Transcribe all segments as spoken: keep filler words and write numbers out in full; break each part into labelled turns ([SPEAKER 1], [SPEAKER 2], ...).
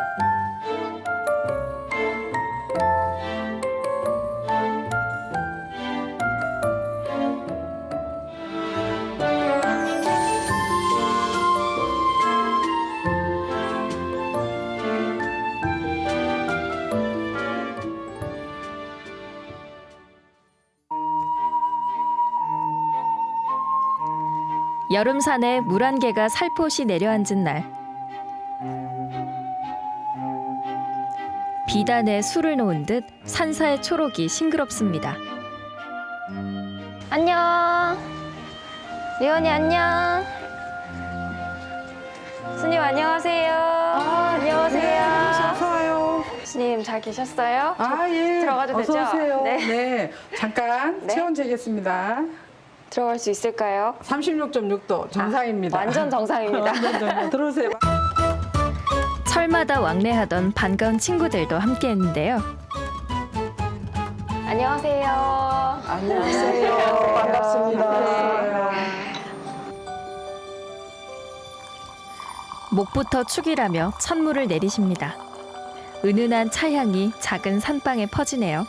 [SPEAKER 1] 여름산에 물 한 개가 살포시 내려앉은 날. 비단에 술을 놓은 듯 산사의 초록이 싱그럽습니다.
[SPEAKER 2] 안녕. 리언이 안녕. 스님 안녕하세요.
[SPEAKER 3] 아,
[SPEAKER 2] 안녕하세요.
[SPEAKER 3] 네, 어서 와요.
[SPEAKER 2] 스님 잘 계셨어요?
[SPEAKER 3] 아, 예.
[SPEAKER 2] 들어가도
[SPEAKER 3] 어서
[SPEAKER 2] 되죠?
[SPEAKER 3] 오세요.
[SPEAKER 2] 네.
[SPEAKER 3] 네. 잠깐
[SPEAKER 2] 네.
[SPEAKER 3] 체온 재겠습니다.
[SPEAKER 2] 들어갈 수 있을까요?
[SPEAKER 3] 삼십육 점 육 도 정상입니다.
[SPEAKER 2] 아, 완전 정상입니다.
[SPEAKER 3] 완전 정상. 들어오세요.
[SPEAKER 1] 철마다 왕래하던 반가운 친구들도 함께했는데요.
[SPEAKER 2] 안녕하세요.
[SPEAKER 3] 안녕하세요. 반갑습니다.
[SPEAKER 1] 목부터 축이라며 찬물을 내리십니다. 은은한 차향이 작은 산방에 퍼지네요.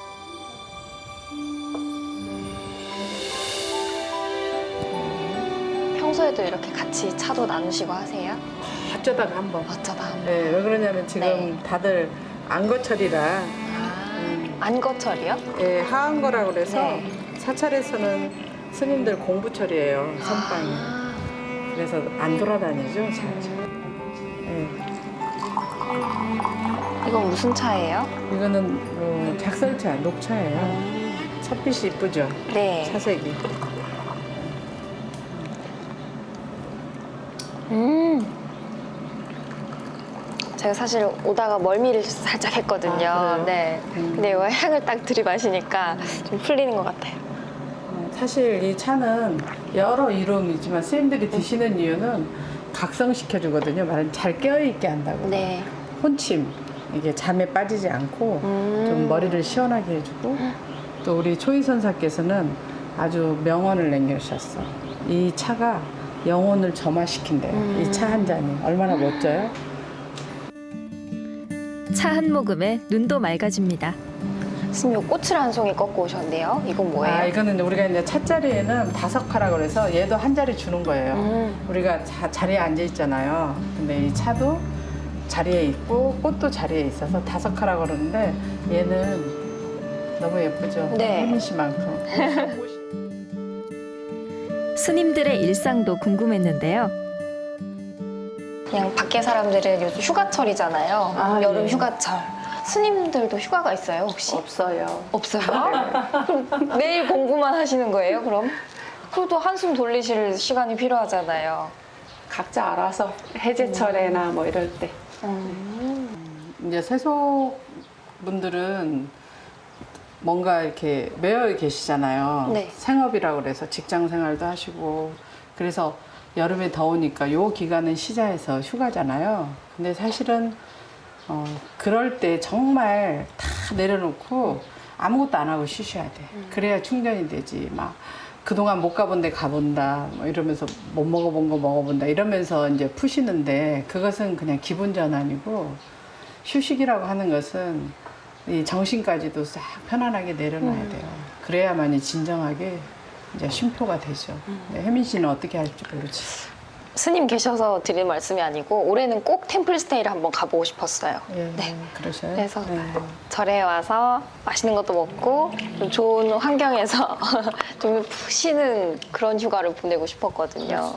[SPEAKER 2] 평소에도 이렇게 같이 차도 나누시고 하세요?
[SPEAKER 3] 어쩌다가 한번.
[SPEAKER 2] 어쩌다 한번.
[SPEAKER 3] 네, 왜 그러냐면 지금
[SPEAKER 2] 네.
[SPEAKER 3] 다들 안거철이라
[SPEAKER 2] 아, 안거철이요?
[SPEAKER 3] 예, 하한거라고 그래서
[SPEAKER 2] 네.
[SPEAKER 3] 사찰에서는 스님들 공부철이에요. 선방이.
[SPEAKER 2] 아,
[SPEAKER 3] 그래서 안 돌아다니죠. 잘. 예.
[SPEAKER 2] 이건 무슨 차예요?
[SPEAKER 3] 이거는 어, 작설차, 녹차예요. 찻빛이 이쁘죠?
[SPEAKER 2] 네.
[SPEAKER 3] 차색이.
[SPEAKER 2] 음. 제가 사실 오다가 멀미를 살짝 했거든요.
[SPEAKER 3] 아, 그래요?
[SPEAKER 2] 네.
[SPEAKER 3] 음.
[SPEAKER 2] 근데 이거 향을 딱 들이마시니까 좀 풀리는 것 같아요.
[SPEAKER 3] 어, 사실 이 차는 여러 이름이지만 스님들이 드시는 이유는 각성시켜주거든요. 말은 잘 깨어있게 한다고.
[SPEAKER 2] 네.
[SPEAKER 3] 혼침, 이게 잠에 빠지지 않고
[SPEAKER 2] 음.
[SPEAKER 3] 좀 머리를 시원하게 해주고 또 우리 초이선사께서는 아주 명언을 남겨주셨어. 이 차가 영혼을 점화시킨대요.
[SPEAKER 2] 음.
[SPEAKER 3] 이 차 한 잔이 얼마나 멋져요?
[SPEAKER 1] 차 한 모금에 눈도 맑아집니다.
[SPEAKER 2] 스님, 이 꽃을 한 송이 꺾고 오셨네요. 이건 뭐예요?
[SPEAKER 3] 아, 이거는 우리가 이제 찻자리에는 다섯 카라고 그래서 얘도 한 자리 주는 거예요.
[SPEAKER 2] 음.
[SPEAKER 3] 우리가 자, 자리에 앉아 있잖아요. 근데 이 차도 자리에 있고 꽃도 자리에 있어서 다섯 카라고 그러는데 얘는 너무 예쁘죠?
[SPEAKER 2] 네.
[SPEAKER 3] 혜민 씨만큼.
[SPEAKER 1] 스님들의 일상도 궁금했는데요.
[SPEAKER 2] 그냥 밖에 사람들은 요즘 휴가철이잖아요.
[SPEAKER 3] 아,
[SPEAKER 2] 여름
[SPEAKER 3] 예.
[SPEAKER 2] 휴가철. 스님들도 휴가가 있어요, 혹시?
[SPEAKER 3] 없어요.
[SPEAKER 2] 없어요? 그럼 매일 공부만 하시는 거예요, 그럼? 그래도 한숨 돌리실 시간이 필요하잖아요.
[SPEAKER 4] 각자 알아서 해제철에나 뭐 이럴 때.
[SPEAKER 2] 음.
[SPEAKER 3] 이제 세속 분들은 뭔가 이렇게 매여 계시잖아요.
[SPEAKER 2] 네.
[SPEAKER 3] 생업이라고 그래서 직장 생활도 하시고 그래서 여름에 더우니까 요 기간은 시자에서 휴가잖아요. 근데 사실은 어, 그럴 때 정말 다 내려놓고 아무것도 안 하고 쉬셔야 돼. 그래야 충전이 되지. 막 그동안 못 가본 데 가본다. 뭐 이러면서 못 먹어본 거 먹어본다. 이러면서 이제 푸시는데 그것은 그냥 기분 전환이고 휴식이라고 하는 것은 이 정신까지도 싹 편안하게 내려놔야 돼요. 그래야만이 진정하게 이제 쉼표가 되죠. 네, 혜민 씨는 어떻게 할지 모르지.
[SPEAKER 2] 스님 계셔서 드릴 말씀이 아니고 올해는 꼭 템플스테이를 한번 가보고 싶었어요.
[SPEAKER 3] 예,
[SPEAKER 2] 네.
[SPEAKER 3] 그러셔요.
[SPEAKER 2] 그래서
[SPEAKER 3] 네.
[SPEAKER 2] 절에 와서 맛있는 것도 먹고 좀 좋은 환경에서 좀 쉬는 그런 휴가를 보내고 싶었거든요.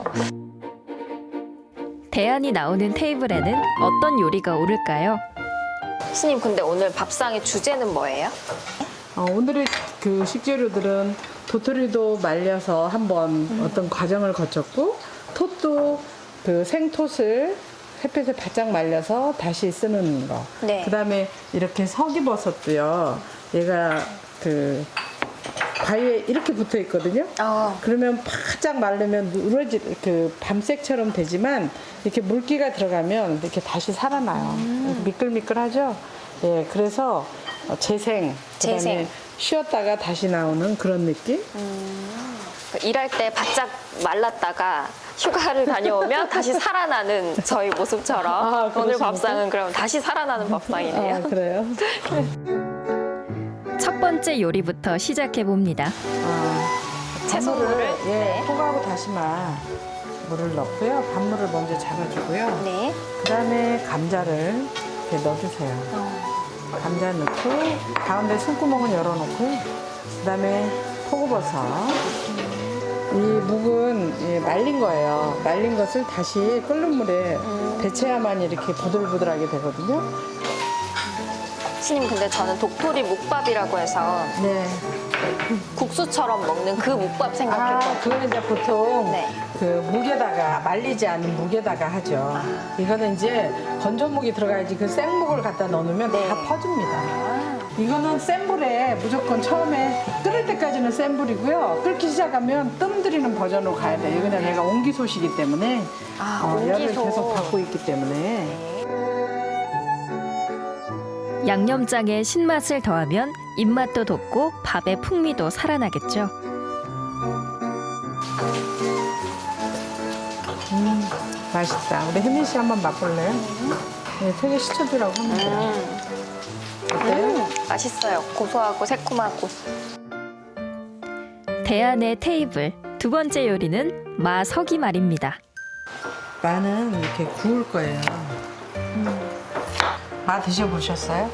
[SPEAKER 1] 대안이 나오는 테이블에는 어떤 요리가 오를까요?
[SPEAKER 2] 스님, 근데 오늘 밥상의 주제는 뭐예요?
[SPEAKER 3] 어, 오늘의 그 식재료들은 도토리도 말려서 한번
[SPEAKER 2] 음.
[SPEAKER 3] 어떤 과정을 거쳤고 톳도 그 생톳을 햇볕에 바짝 말려서 다시 쓰는 거.
[SPEAKER 2] 네.
[SPEAKER 3] 그다음에 이렇게 서기버섯도요. 얘가 그 바위에 이렇게 붙어 있거든요.
[SPEAKER 2] 어,
[SPEAKER 3] 그러면 바짝 마르면 누러지 그 밤색처럼 되지만 이렇게 물기가 들어가면 이렇게 다시 살아나요.
[SPEAKER 2] 음.
[SPEAKER 3] 미끌미끌하죠. 예, 그래서 어, 재생, 그다음에
[SPEAKER 2] 재생.
[SPEAKER 3] 쉬었다가 다시 나오는 그런 느낌.
[SPEAKER 2] 일할 때 바짝 말랐다가 휴가를 다녀오면 다시 살아나는 저희 모습처럼
[SPEAKER 3] 아,
[SPEAKER 2] 오늘
[SPEAKER 3] 그러십니까?
[SPEAKER 2] 밥상은 그럼 다시 살아나는 밥상이네요.
[SPEAKER 3] 아, 그래요?
[SPEAKER 1] 첫 번째 요리부터 시작해 봅니다.
[SPEAKER 3] 아,
[SPEAKER 2] 채소물을?
[SPEAKER 3] 밥물을, 예,
[SPEAKER 2] 네.
[SPEAKER 3] 포가하고 다시마 물을 넣고요. 밥물을 먼저 잡아주고요.
[SPEAKER 2] 네.
[SPEAKER 3] 그다음에 감자를 이렇게 넣어주세요. 감자 넣고 가운데 손구멍은 열어놓고요. 그다음에 표고버섯. 이 묵은 예, 말린 거예요. 말린 것을 다시 끓는 물에 데쳐야만 이렇게 부들부들하게 되거든요.
[SPEAKER 2] 신님 근데 저는 독토리 묵밥이라고 해서
[SPEAKER 3] 네.
[SPEAKER 2] 국수처럼 먹는 그 묵밥
[SPEAKER 3] 아,
[SPEAKER 2] 생각했거든요.
[SPEAKER 3] 그거는 이제 보통
[SPEAKER 2] 네.
[SPEAKER 3] 그 묵에다가 말리지 않은 묵에다가 하죠. 이거는 이제 건조묵이 들어가야지 그 생묵을 갖다 넣어놓으면
[SPEAKER 2] 네.
[SPEAKER 3] 다 퍼집니다.
[SPEAKER 2] 아,
[SPEAKER 3] 이거는 센 불에 무조건 처음에 끓을 때까지는 센 불이고요. 끓기 시작하면 뜸 들이는 버전으로 가야 돼요. 이거는 얘가 옹기소시기 때문에
[SPEAKER 2] 아,
[SPEAKER 3] 어, 열을
[SPEAKER 2] 옹기소.
[SPEAKER 3] 계속 받고 있기 때문에
[SPEAKER 1] 양념장에 신맛을 더하면 입맛도 돋고 밥의 풍미도 살아나겠죠.
[SPEAKER 3] 음, 맛있다. 우리 혜민 씨 한번 맛볼래요? 네, 되게 시켜주라고 하면 돼요.
[SPEAKER 2] 음,
[SPEAKER 3] 어때요?
[SPEAKER 2] 음, 맛있어요. 고소하고 새콤하고.
[SPEAKER 1] 대안의 테이블 두 번째 요리는 마석이말입니다.
[SPEAKER 3] 마는 이렇게 구울 거예요. 마 드셔보셨어요?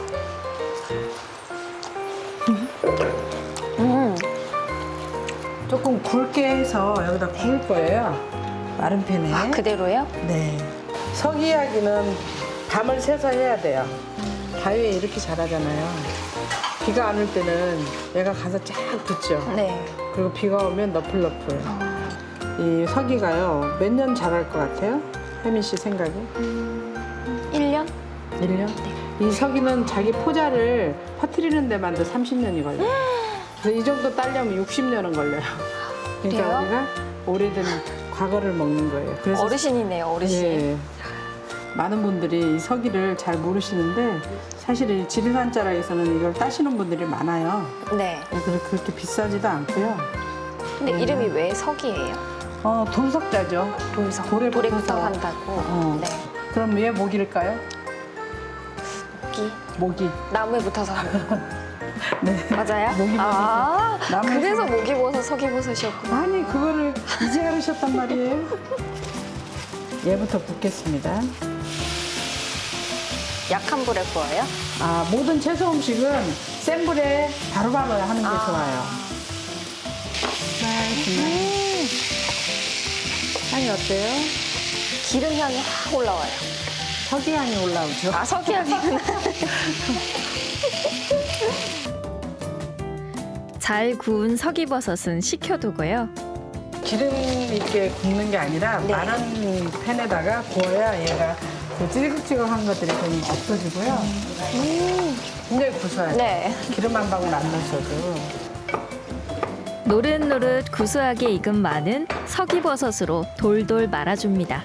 [SPEAKER 2] 음,
[SPEAKER 3] 조금 굵게 해서 여기다 구울 거예요. 마른 팬에.
[SPEAKER 2] 아, 그대로요?
[SPEAKER 3] 네. 서기야기는 밤을 새서 해야 돼요. 바위에 이렇게 자라잖아요. 비가 안 올 때는 얘가 가서 쫙 붙죠.
[SPEAKER 2] 네.
[SPEAKER 3] 그리고 비가 오면 너플너플. 이 서기가요, 몇 년 자랄 것 같아요? 혜민 씨 생각에?
[SPEAKER 2] 일 년?
[SPEAKER 3] 일 년? 이 서기는 자기 포자를 퍼뜨리는 데만도 삼십 년이 걸려요. 그래서 이 정도 따려면 육십 년은 걸려요. 그러니까
[SPEAKER 2] 그래요?
[SPEAKER 3] 우리가 오래된 과거를 먹는 거예요. 그래서
[SPEAKER 2] 어르신이네요, 어르신.
[SPEAKER 3] 예, 많은 분들이 이 서기를 잘 모르시는데 사실 이 지리산 자락에서는 이걸 따시는 분들이 많아요.
[SPEAKER 2] 네.
[SPEAKER 3] 그래서 그렇게 비싸지도 않고요.
[SPEAKER 2] 근데
[SPEAKER 3] 네.
[SPEAKER 2] 이름이 왜 석이에요?
[SPEAKER 3] 어, 돌석자죠.
[SPEAKER 2] 돌석.
[SPEAKER 3] 돌에
[SPEAKER 2] 돌에
[SPEAKER 3] 붙어서.
[SPEAKER 2] 구석한다고.
[SPEAKER 3] 어.
[SPEAKER 2] 네.
[SPEAKER 3] 그럼 왜 목일까요?
[SPEAKER 2] 기
[SPEAKER 3] 목이.
[SPEAKER 2] 나무에 붙어서 하는 거.
[SPEAKER 3] 네.
[SPEAKER 2] 맞아요?
[SPEAKER 3] 목이
[SPEAKER 2] 아,
[SPEAKER 3] 나무에서.
[SPEAKER 2] 그래서 목이버섯, 석이버섯이었구나.
[SPEAKER 3] 아니 그거를 이제 알으셨단 말이에요. 얘부터 붓겠습니다.
[SPEAKER 2] 약한 불에 구워요?
[SPEAKER 3] 아, 모든 채소 음식은 센 불에 바로바로 하는 게
[SPEAKER 2] 아.
[SPEAKER 3] 좋아요. 음. 향이 어때요?
[SPEAKER 2] 기름 향이 확 올라와요.
[SPEAKER 3] 석이향이 올라오죠.
[SPEAKER 2] 아, 석이향이구나.
[SPEAKER 1] 잘 구운 석이버섯은 식혀두고요.
[SPEAKER 3] 기름 있게 굽는 게 아니라
[SPEAKER 2] 네.
[SPEAKER 3] 마른 팬에다가 구워야 얘가 그 찌글찌글한 것들이 좀 없어지고요. 굉장히 구수해요.
[SPEAKER 2] 네.
[SPEAKER 3] 기름 한 방울 안 넣으셔도.
[SPEAKER 1] 노릇노릇 구수하게 익은 마는 석이버섯으로 돌돌 말아줍니다.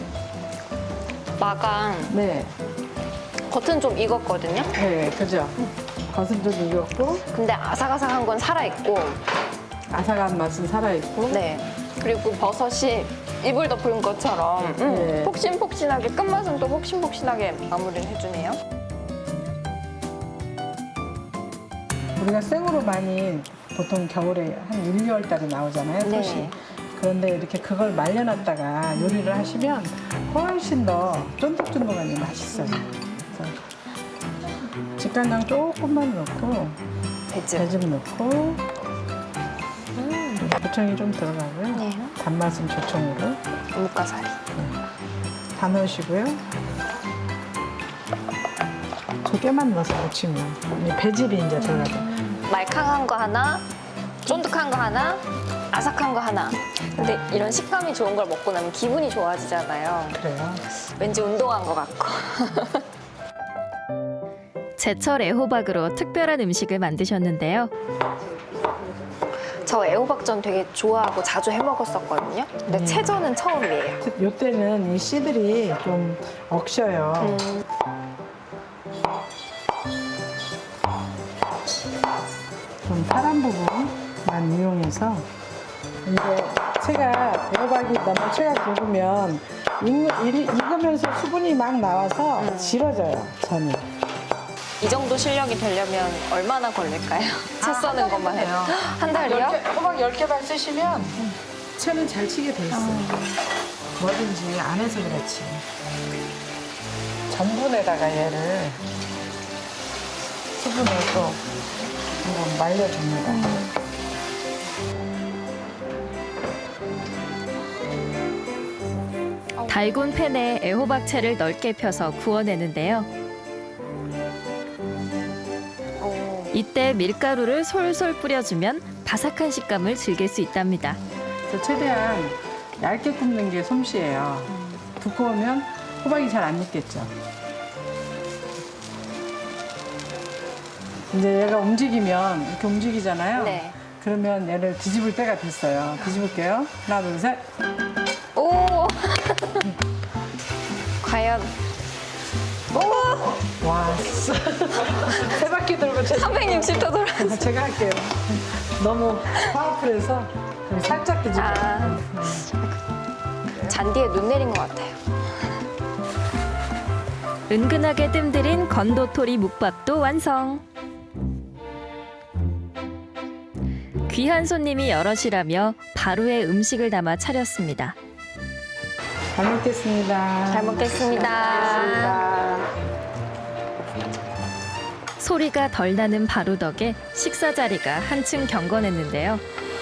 [SPEAKER 2] 마강
[SPEAKER 3] 네,
[SPEAKER 2] 겉은 좀 익었거든요.
[SPEAKER 3] 네, 그죠. 겉은 좀 익었고
[SPEAKER 2] 근데 아삭아삭한 건 살아있고,
[SPEAKER 3] 아삭한 맛은 살아있고.
[SPEAKER 2] 네. 그리고 버섯이 이불 덮은 것처럼 음,
[SPEAKER 3] 네.
[SPEAKER 2] 폭신폭신하게, 끝맛은 또 폭신폭신하게 마무리를 해주네요.
[SPEAKER 3] 우리가 생으로 많이 보통 겨울에 한 일, 이월 달에 나오잖아요,
[SPEAKER 2] 네.
[SPEAKER 3] 톳이. 그런데 이렇게 그걸 말려놨다가 요리를 하시면 훨씬 더 쫀득쫀득하니 맛있어요. 그래서 직간장 조금만 넣고
[SPEAKER 2] 배즙.
[SPEAKER 3] 배즙 넣고 조청이 좀 들어가고요.
[SPEAKER 2] 네.
[SPEAKER 3] 단맛은 조청으로
[SPEAKER 2] 무가사리.
[SPEAKER 3] 다 넣으시고요. 조개만 넣어서 무치면 이 배즙이 이제 들어가죠.
[SPEAKER 2] 말캉한 거 하나, 쫀득한 거 하나, 아삭한 거 하나. 근데 이런 식감이 좋은 걸 먹고 나면 기분이 좋아지잖아요.
[SPEAKER 3] 그래요.
[SPEAKER 2] 왠지 운동한 것 같고.
[SPEAKER 1] 제철 애호박으로 특별한 음식을 만드셨는데요.
[SPEAKER 2] 저 애호박전 되게 좋아하고 자주 해 먹었었거든요. 근데
[SPEAKER 3] 음.
[SPEAKER 2] 채전은 처음이에요.
[SPEAKER 3] 요때는 이 씨들이 좀 억셔요.
[SPEAKER 2] 음,
[SPEAKER 3] 좀 파란 부분만 이용해서 이거 자체가 애호박이 너무 채가 굵으면 익, 익, 익으면서 수분이 막 나와서
[SPEAKER 2] 음.
[SPEAKER 3] 질어져요, 전이.
[SPEAKER 2] 이 정도 실력이 되려면 얼마나 걸릴까요? 채 써는 것만 해도. 한 달이요?
[SPEAKER 3] 열 개, 호박 열 개만 쓰시면 채는 잘 치게 돼 있어요. 뭐든지 안 해서 그렇지. 전분에다가 얘를 수분을 또 한번 말려줍니다.
[SPEAKER 1] 달군 팬에 애호박채를 넓게 펴서 구워내는데요.
[SPEAKER 2] 오.
[SPEAKER 1] 이때 밀가루를 솔솔 뿌려주면 바삭한 식감을 즐길 수 있답니다.
[SPEAKER 3] 그래서 최대한 얇게 굽는 게 솜씨예요. 두꺼우면 호박이 잘 안 익겠죠. 이제 얘가 움직이면 이렇게 움직이잖아요.
[SPEAKER 2] 네.
[SPEAKER 3] 그러면 얘를 뒤집을 때가 됐어요. 뒤집을게요. 하나, 둘, 셋.
[SPEAKER 2] 오! 과연. 오!
[SPEAKER 3] 와, 세 바퀴 돌고 제,
[SPEAKER 2] 삼백육십 도 돌아.
[SPEAKER 3] 제가 할게요. 너무 파워풀해서 그럼 살짝 뒤집어.
[SPEAKER 2] 아. 잔디에 눈 내린 것 같아요.
[SPEAKER 1] 은근하게 뜸들인 건도토리 묵밥도 완성. 귀한 손님이 여럿이라며 바로의 음식을 담아 차렸습니다.
[SPEAKER 3] 잘 먹겠습니다.
[SPEAKER 2] 잘 먹겠습니다.
[SPEAKER 4] 아,
[SPEAKER 1] 소리가 덜 나는 바로 덕에 식사 자리가 한층 경건했는데요.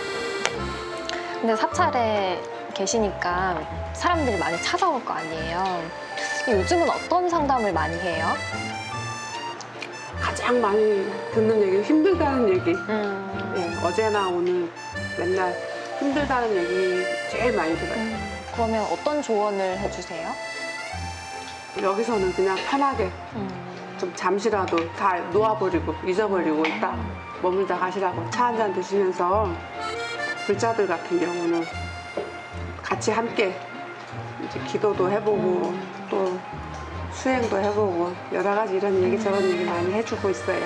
[SPEAKER 2] 근데 사찰에 계시니까 사람들이 많이 찾아올 거 아니에요. 요즘은 어떤 상담을 많이 해요?
[SPEAKER 4] 가장 많이 듣는 얘기 힘들다는 얘기.
[SPEAKER 2] 음.
[SPEAKER 4] 예, 어제나 오늘 맨날 힘들다는 얘기 제일 많이 들어요.
[SPEAKER 2] 그러면 어떤 조언을 해주세요?
[SPEAKER 4] 여기서는 그냥 편하게
[SPEAKER 2] 음.
[SPEAKER 4] 좀 잠시라도 다 놓아버리고 잊어버리고 딱 머물다 가시라고 차 한 잔 드시면서 불자들 같은 경우는 같이 함께 이제 기도도 해보고 또 수행도 해보고 여러 가지 이런 얘기 저런 얘기 많이 해주고 있어요.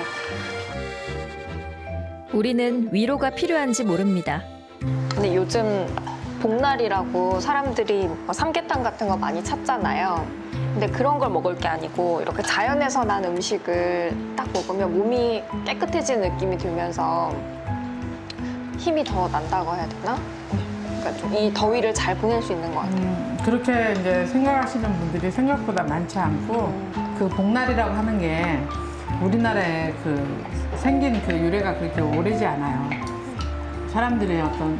[SPEAKER 1] 우리는 위로가 필요한지 모릅니다.
[SPEAKER 2] 근데 요즘 복날이라고 사람들이 뭐 삼계탕 같은 거 많이 찾잖아요. 근데 그런 걸 먹을 게 아니고 이렇게 자연에서 난 음식을 딱 먹으면 몸이 깨끗해지는 느낌이 들면서 힘이 더 난다고 해야 되나? 그러니까 좀 이 더위를 잘 보낼 수 있는 것 같아요.
[SPEAKER 3] 음, 그렇게 이제 생각하시는 분들이 생각보다 많지 않고 그 복날이라고 하는 게 우리나라에 그 생긴 그 유래가 그렇게 오래지 않아요. 사람들의 어떤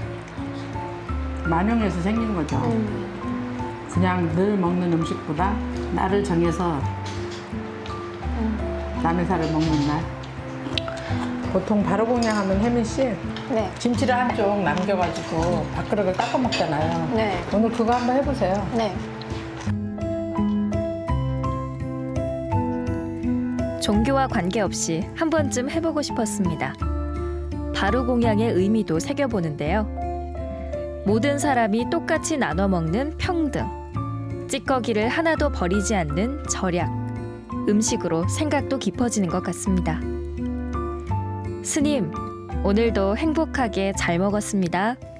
[SPEAKER 3] 만용에서 생긴 거죠. 그냥 늘 먹는 음식보다 날을 정해서 남의 살을 먹는 날. 보통 바로공양하면 혜민 씨
[SPEAKER 2] 네.
[SPEAKER 3] 김치를 한쪽 남겨가지고 밥그릇을 닦아 먹잖아요.
[SPEAKER 2] 네.
[SPEAKER 3] 오늘 그거 한번 해보세요.
[SPEAKER 2] 네.
[SPEAKER 1] 종교와 관계없이 한 번쯤 해보고 싶었습니다. 바로공양의 의미도 새겨보는데요. 모든 사람이 똑같이 나눠 먹는 평등, 찌꺼기를 하나도 버리지 않는 절약, 음식으로 생각도 깊어지는 것 같습니다. 스님, 오늘도 행복하게 잘 먹었습니다.